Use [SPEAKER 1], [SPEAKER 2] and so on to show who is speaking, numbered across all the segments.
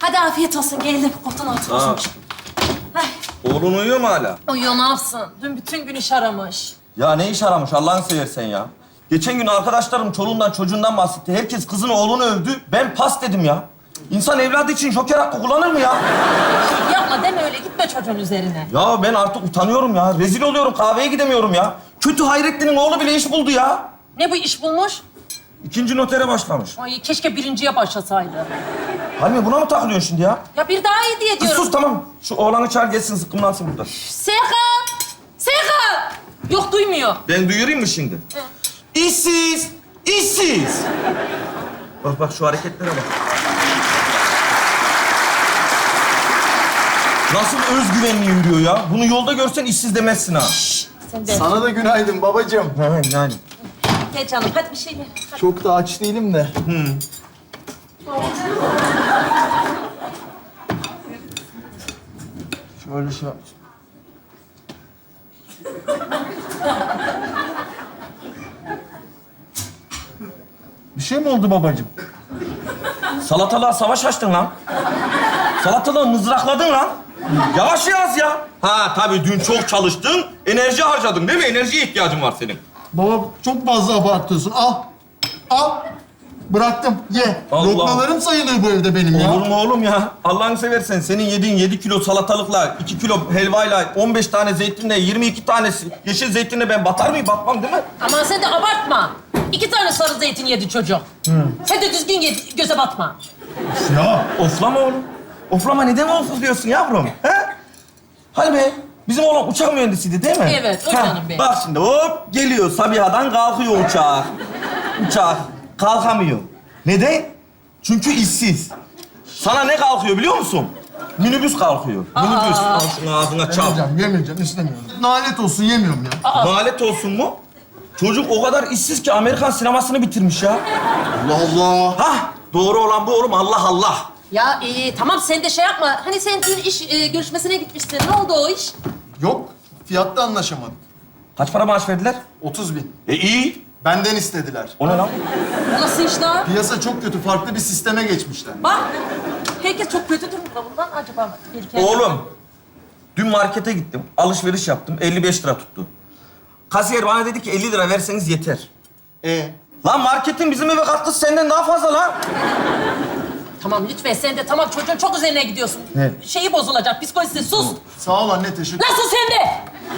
[SPEAKER 1] Hadi afiyet olsun, geldim. Koltuğun altı
[SPEAKER 2] Aa.
[SPEAKER 1] olmuş. Ay,
[SPEAKER 2] Oğlun uyuyor mu hala?
[SPEAKER 1] uyuyor, ne yapsın? Dün bütün gün iş aramış.
[SPEAKER 2] Ya ne iş aramış Allah'ını seversen ya. Geçen gün arkadaşlarım çoluğundan çocuğundan bahsetti. Herkes kızını oğlunu övdü. Ben pas dedim ya. İnsan evladı için joker hakkı kullanır mı ya?
[SPEAKER 1] Yapma, deme öyle, gitme çocuğun üzerine.
[SPEAKER 2] Ya ben artık utanıyorum ya. Rezil oluyorum, kahveye gidemiyorum ya. Kötü Hayrettin'in oğlu bile iş buldu ya.
[SPEAKER 1] Ne bu iş bulmuş?
[SPEAKER 2] 2. notere başlamış.
[SPEAKER 1] Ay keşke birinciye başlasaydı.
[SPEAKER 2] Halime buna mı takılıyorsun şimdi ya?
[SPEAKER 1] Ya bir daha iyi diye
[SPEAKER 2] Kız
[SPEAKER 1] diyorum.
[SPEAKER 2] sus tamam. Şu oğlanı çağır gelsin zıkkımlansın burada.
[SPEAKER 1] Serkan! Serkan! Yok, duymuyor.
[SPEAKER 2] Ben duyurayım mı şimdi? İşsiz! İşsiz! Bak bak şu hareketlere bak. Nasıl özgüvenli yürüyor ya? Bunu yolda görsen işsiz demezsin ha.
[SPEAKER 1] Sen de.
[SPEAKER 3] Sana da günaydın babacığım.
[SPEAKER 2] Ha, yani.
[SPEAKER 1] Gel canım, hadi bir şey ye. Hadi.
[SPEAKER 3] Çok da aç değilim de. Şöyle şey yap. Bir şey mi oldu babacığım?
[SPEAKER 2] Salatalığa savaş açtın lan. Salatalığı mızrakladın lan. Yavaş yaz ya. Ha tabii dün çok çalıştın, enerji harcadın değil mi? Enerjiye ihtiyacın var senin.
[SPEAKER 3] Baba çok fazla abartıyorsun. Al. Al. Bıraktım. Ye.
[SPEAKER 2] Allah.
[SPEAKER 3] Lokmalarım sayılıyor bu evde benim ya.
[SPEAKER 2] Olur mu oğlum ya? Allah'ını seversen senin yediğin 7 kilo salatalıkla, 2 kilo helvayla, 15 tane zeytinle, 22 tanesi yeşil zeytinle ben batar mıyım? Batmam değil mi?
[SPEAKER 1] Aman sen de abartma. 2 tane sarı zeytin yedi çocuk. Sen de düzgün ye, göze batma.
[SPEAKER 3] Ya.
[SPEAKER 2] Oflama oğlum. Oflama neden ofluyorsun yavrum? He? Hadi be. Bizim oğlan uçak mühendisiydi değil mi?
[SPEAKER 1] Evet, o canım benim.
[SPEAKER 2] Bak şimdi hop geliyor Sabiha'dan kalkıyor uçak. Uçak kalkamıyor. Neden? Çünkü işsiz. Sana ne kalkıyor biliyor musun? Minibüs kalkıyor. Minibüs. Al şunu ağzına çal.
[SPEAKER 3] Yemeyeceğim, istemiyorum. Nalet olsun, yemiyorum ya.
[SPEAKER 2] Nalet olsun mu? Çocuk o kadar işsiz ki Amerikan sinemasını bitirmiş ya.
[SPEAKER 3] Allah Allah.
[SPEAKER 2] Hah doğru olan bu oğlum Allah Allah.
[SPEAKER 1] Ya tamam, sen de şey yapma. Hani sen dün iş görüşmesine gitmiştin. Ne oldu o iş?
[SPEAKER 3] Yok, fiyatta anlaşamadık.
[SPEAKER 2] Kaç para maaş verdiler?
[SPEAKER 3] 30.000.
[SPEAKER 2] İyi.
[SPEAKER 3] Benden istediler.
[SPEAKER 2] O ne lan?
[SPEAKER 1] Nasıl iş lan?
[SPEAKER 3] Piyasa çok kötü, farklı bir sisteme geçmişler.
[SPEAKER 1] Bak, herkes çok kötü durumda bundan. Acaba bir kere...
[SPEAKER 2] Oğlum, dün markete gittim, alışveriş yaptım, 55 lira tuttu. Kasiyer bana dedi ki 50 lira verseniz yeter. Lan marketin bizim eve katkısı senden daha fazla lan.
[SPEAKER 1] Tamam lütfen, sen de tamam, çocuğun çok üzerine gidiyorsun.
[SPEAKER 2] Ne?
[SPEAKER 1] Şeyi bozulacak, psikolojisi, sus.
[SPEAKER 3] Sağ ol anne, teşekkür.
[SPEAKER 1] Nasıl sen de?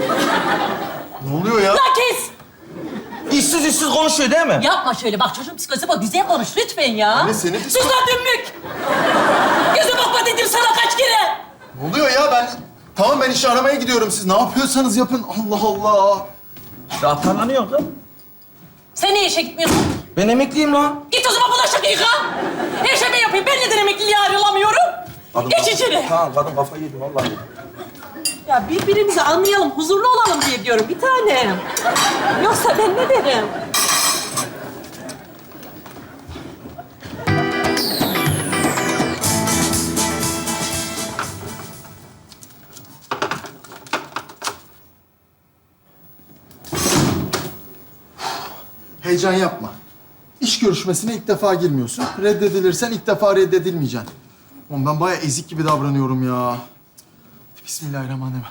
[SPEAKER 3] Ne oluyor ya?
[SPEAKER 1] Lan kes!
[SPEAKER 2] İşsiz konuşuyor değil mi?
[SPEAKER 1] Yapma şöyle, bak çocuğun psikolojisi bu. Güzel konuş lütfen ya.
[SPEAKER 3] Anne, senin
[SPEAKER 1] Sus lan dümbük! Göze bakma dedim sana kaç kere!
[SPEAKER 3] Ne oluyor ya? Tamam, ben iş aramaya gidiyorum. Siz ne yapıyorsanız yapın. Allah Allah.
[SPEAKER 2] Ya atarlanıyor kız.
[SPEAKER 1] Sen niye işe gitmiyorsun?
[SPEAKER 2] Ben emekliyim lan.
[SPEAKER 1] Git o zaman bulaşık yıka. Her şey ben yapayım. Ben neden emekliliğe ayrılamıyorum? Geç içeri.
[SPEAKER 2] Tamam kadın kafayı yedi vallahi.
[SPEAKER 1] Ya birbirimizi anlayalım, huzurlu olalım diye diyorum bir tanem. Yoksa ben ne derim?
[SPEAKER 3] Heyecan yapma. İş görüşmesine ilk defa girmiyorsun. Reddedilirsen ilk defa reddedilmeyeceksin. Oğlum ben bayağı ezik gibi davranıyorum ya. Bismillahirrahmanirrahim.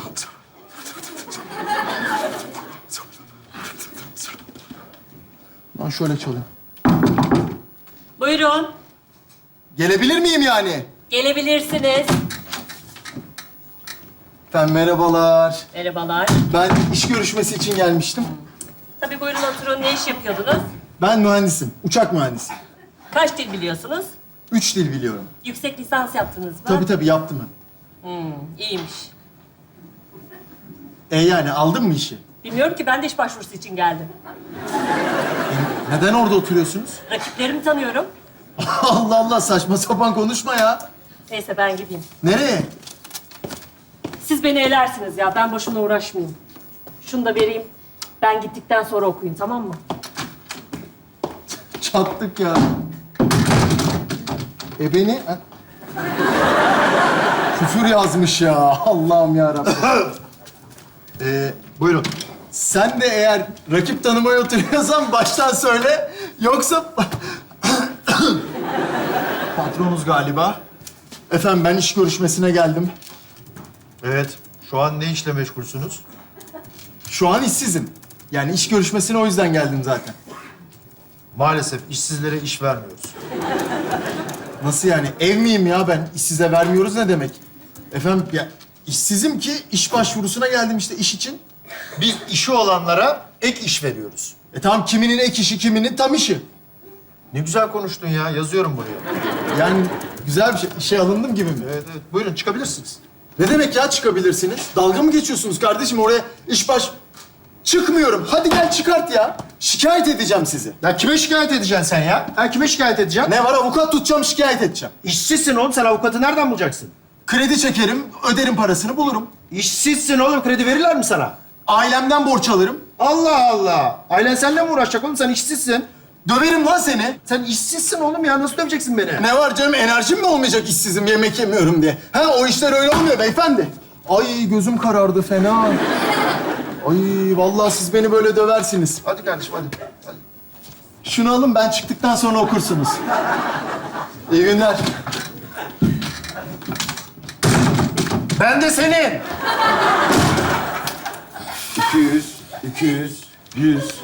[SPEAKER 3] Lan şöyle çalayım.
[SPEAKER 1] Buyurun,
[SPEAKER 3] Gelebilir miyim yani?
[SPEAKER 1] gelebilirsiniz.
[SPEAKER 3] Efendim merhabalar.
[SPEAKER 1] Merhabalar.
[SPEAKER 3] Ben iş görüşmesi için gelmiştim.
[SPEAKER 1] Tabii buyurun oturun. Ne iş yapıyordunuz?
[SPEAKER 3] Ben mühendisim, uçak mühendisi.
[SPEAKER 1] Kaç dil biliyorsunuz?
[SPEAKER 3] 3 dil biliyorum.
[SPEAKER 1] Yüksek lisans yaptınız mı?
[SPEAKER 3] Tabii yaptım ben.
[SPEAKER 1] İyiymiş.
[SPEAKER 3] Yani aldın mı işi?
[SPEAKER 1] Bilmiyorum ki, ben de iş başvurusu için geldim.
[SPEAKER 3] Neden orada oturuyorsunuz?
[SPEAKER 1] Rakiplerimi tanıyorum.
[SPEAKER 3] Allah Allah, saçma sapan konuşma ya.
[SPEAKER 1] Neyse ben gideyim.
[SPEAKER 3] Nereye?
[SPEAKER 1] Siz beni elersiniz ya. Ben boşuna uğraşmayayım. Şunu da vereyim. Ben gittikten sonra okuyun, tamam mı?
[SPEAKER 3] Çattık ya. Beni... Ha? Küfür yazmış ya. Allah'ım yarabbim. Buyurun. Sen de eğer rakip tanımaya oturuyorsan baştan söyle. Yoksa... Patronuz galiba. Efendim ben iş görüşmesine geldim.
[SPEAKER 4] Evet. Şu an ne işle meşgulsünüz?
[SPEAKER 3] Şu an işsizim. Yani iş görüşmesine o yüzden geldim zaten.
[SPEAKER 4] Maalesef işsizlere iş vermiyoruz.
[SPEAKER 3] Nasıl yani? Ev miyim ya ben? İşsize vermiyoruz ne demek? Efendim ya işsizim ki iş başvurusuna geldim işte iş için.
[SPEAKER 4] Biz işi olanlara ek iş veriyoruz.
[SPEAKER 3] Tamam kiminin ek işi, kiminin tam işi.
[SPEAKER 4] Ne güzel konuştun ya. Yazıyorum buraya.
[SPEAKER 3] Yani güzel bir şey. İşe alındım gibi mi?
[SPEAKER 4] Evet, evet. Buyurun çıkabilirsiniz.
[SPEAKER 3] Ne demek ya çıkabilirsiniz? Dalga mı geçiyorsunuz kardeşim? Oraya iş baş... Çıkmıyorum. Hadi gel çıkart ya. Şikayet edeceğim sizi.
[SPEAKER 4] Ya kime şikayet edeceksin sen ya? Ha, kime şikayet edeceksin?
[SPEAKER 3] Ne var? Avukat tutacağım, şikayet edeceğim.
[SPEAKER 4] İşsizsin oğlum. Sen avukatı nereden bulacaksın?
[SPEAKER 3] Kredi çekerim, öderim parasını bulurum.
[SPEAKER 4] İşsizsin oğlum. Kredi verirler mi sana?
[SPEAKER 3] Ailemden borç alırım.
[SPEAKER 4] Allah Allah. Ailen seninle mi uğraşacak oğlum? Sen işsizsin.
[SPEAKER 3] Döverim lan seni.
[SPEAKER 4] Sen işsizsin oğlum ya. Nasıl döveceksin beni?
[SPEAKER 3] Ne var canım? Enerjim mi olmayacak işsizim, yemek yemiyorum diye? Ha o işler öyle olmuyor beyefendi. Ay gözüm karardı fena. Ay vallahi siz beni böyle döversiniz.
[SPEAKER 4] Hadi kardeşim hadi. Hadi.
[SPEAKER 3] Şunu alın ben çıktıktan sonra okursunuz. İyi günler.
[SPEAKER 4] Ben de senin.
[SPEAKER 5] 200, 200, 100, 250,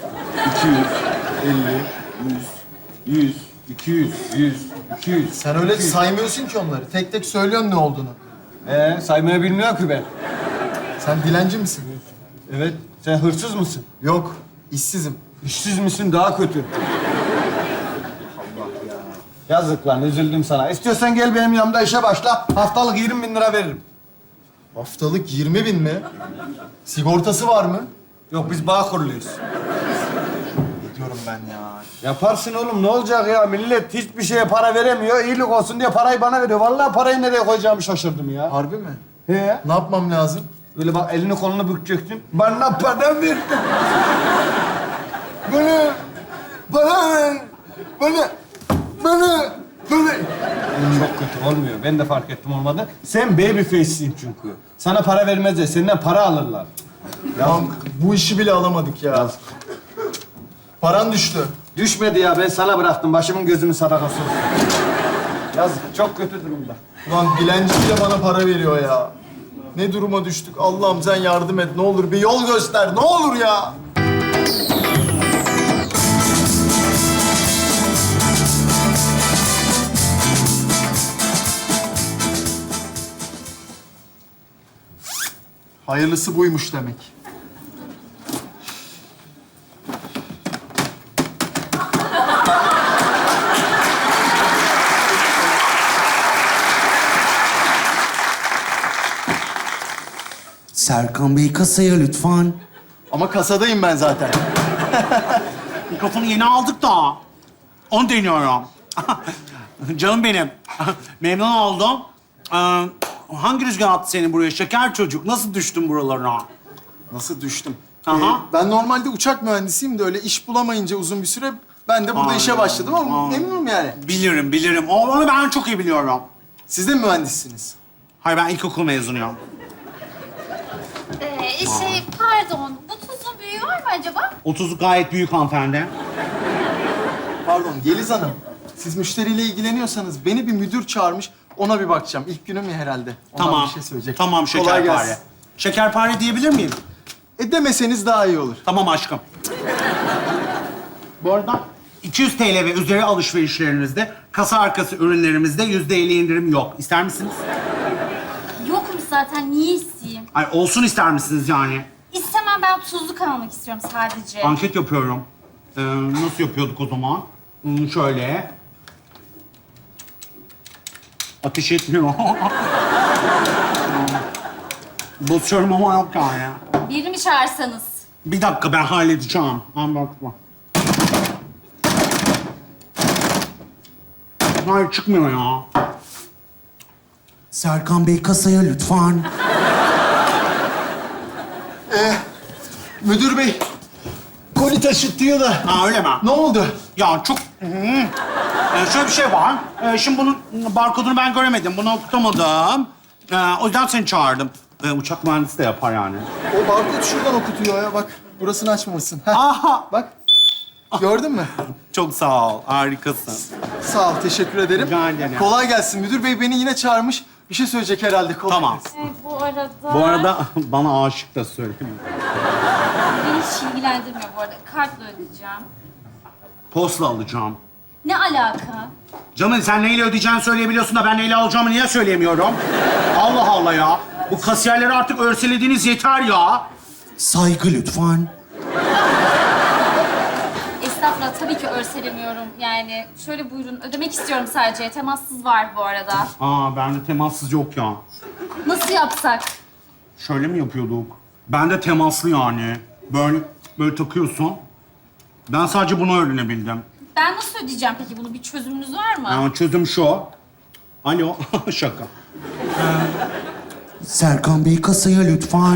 [SPEAKER 5] 100, 200, 100, 200.
[SPEAKER 3] Sen öyle saymıyorsun ki onları. Tek tek söylüyorsun ne olduğunu.
[SPEAKER 5] Saymayı bilmiyorum ki ben.
[SPEAKER 3] Sen dilenci misin?
[SPEAKER 5] Evet, sen hırsız mısın?
[SPEAKER 3] Yok, işsizim.
[SPEAKER 5] İşsiz misin? Daha kötü. Allah ya. Yazık lan, üzüldüm sana. İstiyorsan gel benim yanımda işe başla. Haftalık 20 bin lira veririm.
[SPEAKER 3] Haftalık 20 bin mi? Sigortası var mı?
[SPEAKER 5] Yok, biz bağ kuruluyuz.
[SPEAKER 3] Ne diyorum ben ya?
[SPEAKER 5] Yaparsın oğlum, ne olacak ya? Millet hiçbir şeye para veremiyor. İyilik olsun diye parayı bana veriyor. Vallahi parayı nereye koyacağımı şaşırdım ya.
[SPEAKER 3] Harbi mi?
[SPEAKER 5] He?
[SPEAKER 3] Ne yapmam lazım?
[SPEAKER 5] Böyle bak elini kolunu bükeceksin. Bana para ver. Bana ver. Bana. Çok kötü olmuyor. Ben de fark ettim olmadı. Sen baby face'sin çünkü. Sana para vermezler. Senden para alırlar.
[SPEAKER 3] Ya bu işi bile alamadık ya. Paran düştü.
[SPEAKER 5] Düşmedi ya. Ben sana bıraktım. Başımın gözümün sadakası olsun. Yazık. Çok kötü durumda.
[SPEAKER 3] Ulan dilenci bile bana para veriyor ya. Ne duruma düştük? Allah'ım sen yardım et. Ne olur bir yol göster. Ne olur ya. Hayırlısı buymuş demek.
[SPEAKER 6] Serkan Bey kasaya lütfen.
[SPEAKER 3] Ama kasadayım ben zaten.
[SPEAKER 7] Mikrofonu yeni aldık da. Onu deniyorum. Canım benim. Memnun oldum. Hangi rüzgar attı seni buraya? Şeker çocuk. Nasıl düştün buralarına?
[SPEAKER 3] Nasıl düştüm?
[SPEAKER 7] Aha.
[SPEAKER 3] Ben normalde uçak mühendisiyim de öyle iş bulamayınca uzun bir süre ben de burada
[SPEAKER 7] Ay,
[SPEAKER 3] işe başladım ama
[SPEAKER 7] ay.
[SPEAKER 3] memnunum yani.
[SPEAKER 7] Bilirim. Onu ben çok iyi biliyorum.
[SPEAKER 3] Siz de mi mühendissiniz?
[SPEAKER 7] Hayır, ben ilkokul mezunuyum.
[SPEAKER 8] Pardon, bu tuzun büyüğü var mı acaba?
[SPEAKER 7] 30 gayet büyük hanımefendi.
[SPEAKER 3] Pardon Yeliz Hanım. Siz müşteriyle ilgileniyorsanız beni bir müdür çağırmış. Ona bir bakacağım. İlk günüm ya herhalde. Ondan
[SPEAKER 7] Tamam.
[SPEAKER 3] bir şey söyleyecek.
[SPEAKER 7] Tamam,
[SPEAKER 3] Kolay
[SPEAKER 7] şekerpare.
[SPEAKER 3] gelsin.
[SPEAKER 7] Şekerpare diyebilir miyim?
[SPEAKER 3] Demeseniz daha iyi olur.
[SPEAKER 7] Tamam aşkım. Bu arada 200 TL ve üzeri alışverişlerinizde kasa arkası ürünlerimizde %50 indirim yok. İster misiniz?
[SPEAKER 8] Yokmuş zaten, niye isteyeyim?
[SPEAKER 7] Ay olsun ister misiniz yani?
[SPEAKER 8] İstemem, ben tuzluk almak istiyorum sadece.
[SPEAKER 7] Anket yapıyorum. Nasıl yapıyorduk o zaman? Şöyle. Ateş etmiyor. Basıyorum ama yok yani.
[SPEAKER 8] Birini mi çağırsanız?
[SPEAKER 7] Bir dakika ben halledeceğim. Bakma. Hayır çıkmıyor ya.
[SPEAKER 6] Serkan Bey kasaya lütfen.
[SPEAKER 3] Müdür bey, koli taşıtıyor da.
[SPEAKER 7] Ha öyle mi?
[SPEAKER 3] Ne oldu?
[SPEAKER 7] Ya çok... şöyle bir şey var. Şimdi bunun barkodunu ben göremedim. Bunu okutamadım. O yüzden seni çağırdım. Uçak mühendisi de yapar yani.
[SPEAKER 3] O barkod şuradan okutuyor ya. Bak, burasını açmamışsın. Heh,
[SPEAKER 7] Aha!
[SPEAKER 3] bak. Gördün mü?
[SPEAKER 7] Çok sağ ol. Harikasın.
[SPEAKER 3] Sağ ol, teşekkür ederim.
[SPEAKER 7] Rica ederim.
[SPEAKER 3] Kolay gelsin. Müdür bey beni yine çağırmış. Bir şey söyleyecek herhalde. Kolay
[SPEAKER 7] Tamam.
[SPEAKER 3] gelsin.
[SPEAKER 8] Bu arada...
[SPEAKER 7] Bu arada bana aşık da söyleyeyim.
[SPEAKER 8] Beni hiç ilgilendirmiyor bu arada. Kartla ödeyeceğim.
[SPEAKER 7] Postla alacağım.
[SPEAKER 8] Ne alaka?
[SPEAKER 7] Canım sen neyle ödeyeceğini söyleyebiliyorsun da ben neyle alacağımı niye söyleyemiyorum? Allah Allah ya. Bu kasiyerleri artık örselediğiniz yeter ya.
[SPEAKER 6] Saygı lütfen.
[SPEAKER 8] Estağfurullah, tabii ki örselemiyorum. Yani şöyle buyurun, ödemek istiyorum sadece. Temassız var bu arada.
[SPEAKER 7] Aa bende temassız yok ya.
[SPEAKER 8] Nasıl yapsak?
[SPEAKER 7] Şöyle mi yapıyorduk? Bende temaslı yani. Böyle takıyorsun. Ben sadece bunu öğrenebildim.
[SPEAKER 8] Ben nasıl ödeyeceğim peki bunu? Bir çözümünüz var mı?
[SPEAKER 7] Yani çözüm şu. Alo, şaka.
[SPEAKER 6] Serkan Bey kasaya lütfen.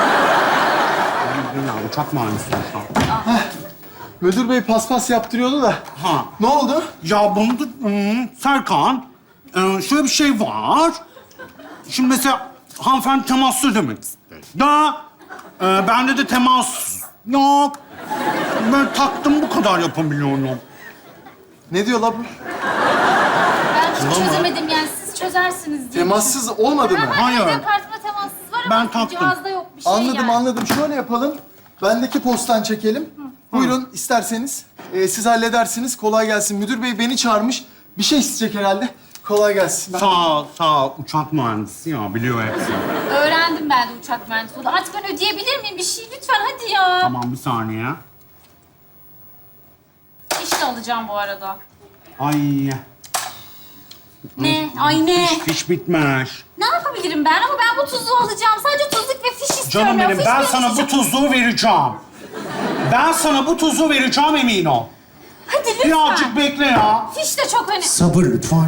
[SPEAKER 7] Ya, uçak mühendisi sonuçta.
[SPEAKER 3] Müdür bey paspas yaptırıyordu da.
[SPEAKER 7] Ha.
[SPEAKER 3] Ne oldu?
[SPEAKER 7] Ya bunda Serkan, şöyle bir şey var. Şimdi mesela hanımefendi temaslı demek istedi. Ya bende de temas yok. Ben taktım bu kadar yapabiliyorum.
[SPEAKER 3] Ne diyor la bu?
[SPEAKER 8] Ben hiç çözemedim yani. Siz çözersiniz diye.
[SPEAKER 3] Temassız olmadı mı?
[SPEAKER 7] Hayır.
[SPEAKER 8] Benim kartımda temassız var
[SPEAKER 7] Ben
[SPEAKER 8] ama
[SPEAKER 7] taktım.
[SPEAKER 8] cihazda yok bir şey
[SPEAKER 3] Anladım,
[SPEAKER 8] yani.
[SPEAKER 3] anladım. Şöyle yapalım. Bendeki postan çekelim. Buyurun isterseniz. Siz halledersiniz. Kolay gelsin. Müdür bey beni çağırmış. Bir şey isteyecek herhalde. Kolay gelsin.
[SPEAKER 7] Sağ ol. Uçak mühendisi ya, biliyor hepsini.
[SPEAKER 8] Öğrendim ben de uçak mühendisi olduğunu. Artık ben ödeyebilir miyim bir şey? Lütfen hadi ya.
[SPEAKER 7] Tamam, bir saniye.
[SPEAKER 8] İşte alacağım bu arada.
[SPEAKER 7] Ay,
[SPEAKER 8] Ne? Ay ne?
[SPEAKER 7] fiş bitmiş.
[SPEAKER 8] Ne yapabilirim ben? Ama ben bu tuzluğu alacağım. Sadece tuzluk ve fiş istiyorum.
[SPEAKER 7] Canım
[SPEAKER 8] ya.
[SPEAKER 7] benim,
[SPEAKER 8] Fiş
[SPEAKER 7] ben
[SPEAKER 8] benim
[SPEAKER 7] sana
[SPEAKER 8] için-
[SPEAKER 7] bu tuzluğu vereceğim. Ben sana bu tuzluğu vereceğim, emin ol.
[SPEAKER 8] Hadi lütfen.
[SPEAKER 7] Birazcık bekle ya.
[SPEAKER 8] Fiş de çok önemli.
[SPEAKER 6] Sabır lütfen.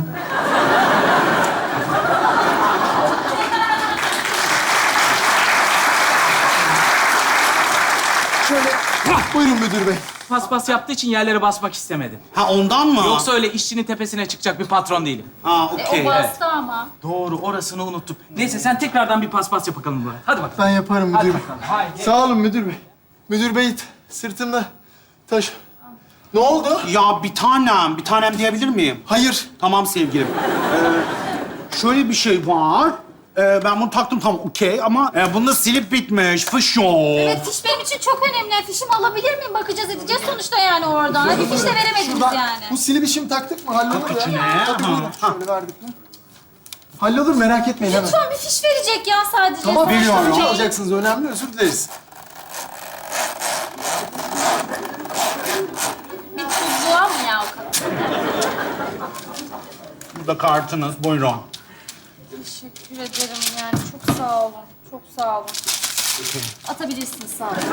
[SPEAKER 3] Şöyle. Buyurun müdür bey.
[SPEAKER 9] Paspas yaptığı için yerlere basmak istemedim.
[SPEAKER 7] Ha ondan mı?
[SPEAKER 9] Yoksa öyle işçinin tepesine çıkacak bir patron değilim.
[SPEAKER 7] Ha
[SPEAKER 8] O
[SPEAKER 7] okey.
[SPEAKER 8] bastı ama.
[SPEAKER 9] Doğru, orasını unuttum. Neyse sen tekrardan bir paspas yap bakalım buraya. Hadi bakalım.
[SPEAKER 3] Ben yaparım
[SPEAKER 9] Hadi
[SPEAKER 3] müdür bey.
[SPEAKER 9] bakalım. Haydi.
[SPEAKER 3] Sağ olun müdür bey. Müdür bey sırtımda taş. Ne oldu?
[SPEAKER 7] Ya bir tanem diyebilir miyim?
[SPEAKER 3] Hayır.
[SPEAKER 7] Tamam sevgilim. Şöyle bir şey var. Ben bunu taktım, tamam okey ama bunda silip bitmiş, fış yok.
[SPEAKER 8] Evet, fiş benim için çok önemli. Fişimi alabilir miyim? Bakacağız, edeceğiz sonuçta yani oradan. Hadi fiş de veremediniz
[SPEAKER 3] Şuradan
[SPEAKER 8] yani.
[SPEAKER 3] bu silip işimi taktık mı? Hallolur ya.
[SPEAKER 7] içine.
[SPEAKER 3] Hadi
[SPEAKER 7] Ha.
[SPEAKER 3] buyurun. Şöyle verdik mi? Hallolur, merak etmeyin hemen.
[SPEAKER 8] Lütfen bir fiş verecek ya sadece.
[SPEAKER 3] Tamam,
[SPEAKER 7] Veriyorum.
[SPEAKER 3] veriyorum. Alacaksınız. Önemli, özür dileriz.
[SPEAKER 8] Bir tuzluğa mı ya o kadar?
[SPEAKER 7] Burada kartınız, buyurun.
[SPEAKER 8] Teşekkür ederim yani. Çok sağ olun. Çok sağ olun. Atabilirsiniz sağ olun.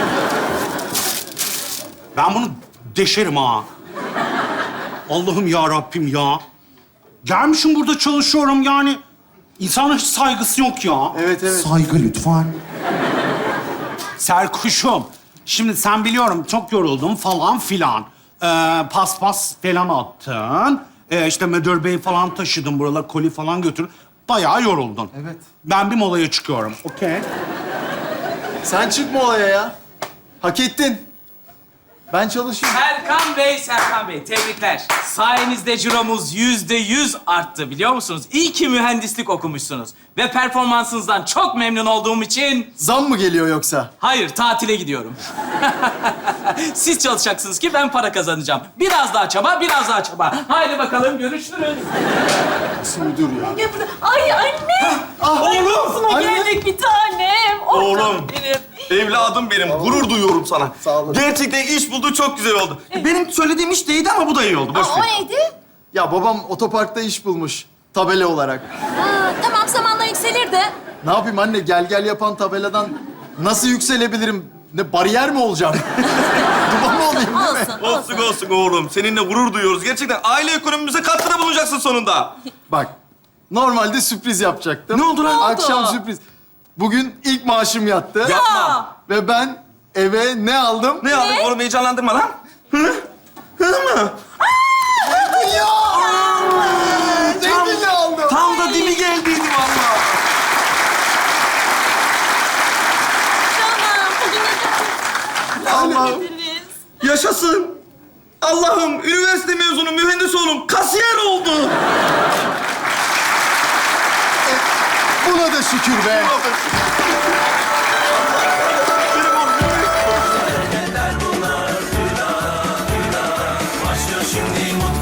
[SPEAKER 7] Ben bunu deşerim ha. Allah'ım ya Rabbim ya. Gelmişim burada çalışıyorum yani. İnsana hiç saygısı yok ya.
[SPEAKER 3] Evet, evet.
[SPEAKER 6] Saygı lütfen.
[SPEAKER 7] Serkuşum. Şimdi sen biliyorum çok yoruldum falan filan. Paspas falan attın. İşte müdür bey falan taşıdın buralara, koli falan götür. Bayağı yoruldun.
[SPEAKER 3] Evet.
[SPEAKER 7] Ben bir molaya çıkıyorum. Okey.
[SPEAKER 3] Sen çıkma olaya ya. Hak ettin. Ben çalışıyorum.
[SPEAKER 9] Serkan Bey, tebrikler. Sayenizde ciromuz %100 arttı biliyor musunuz? İyi ki mühendislik okumuşsunuz. Ve performansınızdan çok memnun olduğum için...
[SPEAKER 3] Zam mı geliyor yoksa?
[SPEAKER 9] Hayır, tatile gidiyorum. Siz çalışacaksınız ki ben para kazanacağım. Biraz daha çaba, biraz daha çaba. Haydi bakalım, görüşürüz.
[SPEAKER 3] Nasıl müdür ya?
[SPEAKER 1] Ay anne!
[SPEAKER 3] Oğlum! Anne!
[SPEAKER 1] Geldik bir tanem. Oh,
[SPEAKER 2] Oğlum.
[SPEAKER 1] canım benim.
[SPEAKER 2] Evladım benim. Gurur duyuyorum sana.
[SPEAKER 3] Sağ olun.
[SPEAKER 2] Gerçekten iş buldu, çok güzel oldu. Benim söylediğim iş değildi ama bu da iyi oldu. Boş
[SPEAKER 8] O
[SPEAKER 2] ver.
[SPEAKER 8] neydi?
[SPEAKER 3] Ya babam otoparkta iş bulmuş. Tabela olarak.
[SPEAKER 8] Tamam, zamanla yükselir de.
[SPEAKER 3] Ne yapayım anne? Gel gel yapan tabeladan nasıl yükselebilirim? Ne bariyer mi olacağım? Duman mı olayım değil mi?
[SPEAKER 2] Olsun olsun oğlum. Seninle gurur duyuyoruz. Gerçekten aile ekonomimize katkıda bulunacaksın sonunda.
[SPEAKER 3] Bak, normalde sürpriz yapacaktım.
[SPEAKER 2] Ne oldu lan?
[SPEAKER 3] Akşam sürpriz. Bugün ilk maaşım yattı.
[SPEAKER 2] Yapma.
[SPEAKER 3] Ve ben eve ne aldım?
[SPEAKER 2] Ne aldın oğlum? Heyecanlandırma lan.
[SPEAKER 3] Ya! Zeytinli aldım.
[SPEAKER 2] Tam da dibi geldiydi vallahi.
[SPEAKER 1] Canım, bugün
[SPEAKER 2] Allah'ım. Yaşasın. Allah'ım, üniversite mezunu mühendis oğlum. Kasiyer
[SPEAKER 3] şükür be.
[SPEAKER 10] Başlıyor şimdi mutlu